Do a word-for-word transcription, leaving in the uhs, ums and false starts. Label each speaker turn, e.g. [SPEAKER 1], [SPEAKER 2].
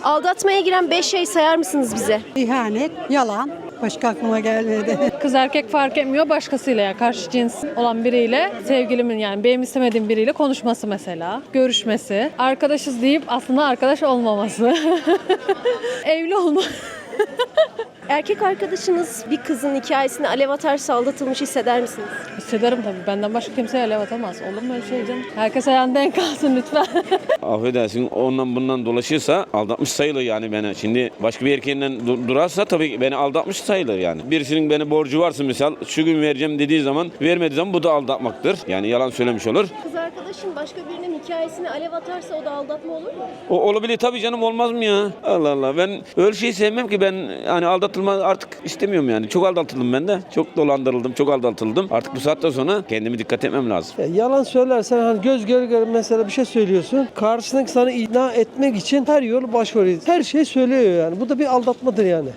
[SPEAKER 1] Aldatmaya giren beş şey sayar mısınız bize?
[SPEAKER 2] İhanet, yalan. Başka aklıma gelmedi.
[SPEAKER 3] Kız erkek fark etmiyor, başkasıyla ya karşı cins olan biriyle, sevgilimin yani benim istemediğim biriyle konuşması mesela, görüşmesi, arkadaşız deyip aslında arkadaş olmaması, evli olma.
[SPEAKER 1] Erkek arkadaşınız bir kızın hikayesini alev atarsa aldatılmış hisseder misiniz?
[SPEAKER 3] Hissederim tabii. Benden başka kimseye alev atamaz. Olur mu öyle şey canım? Herkes ayağında denk kalsın lütfen.
[SPEAKER 4] Affedersin, ondan bundan dolaşırsa aldatmış sayılır yani beni. Şimdi başka bir erkeğinden du- durarsa tabii beni aldatmış sayılır yani. Birisinin beni borcu varsa misal şu gün vereceğim dediği zaman vermediği zaman bu da aldatmaktır. Yani yalan söylemiş olur.
[SPEAKER 1] Kız arkadaşın başka birinin hikayesini alev atarsa o da aldatma olur mu?
[SPEAKER 4] O olabilir tabii canım, olmaz mı ya? Allah Allah, ben öyle şeyi sevmem ki, ben hani aldatılma artık istemiyorum yani. Çok aldatıldım ben de. Çok dolandırıldım, çok aldatıldım. Artık bu saatten sonra kendimi dikkat etmem lazım.
[SPEAKER 5] Ya yalan söylersen hani göz göre göre mesela bir şey söylüyorsun. Karşısındaki sana ikna etmek için her yolu başvuruyor. Her şey söylüyor yani. Bu da bir aldatmadır yani.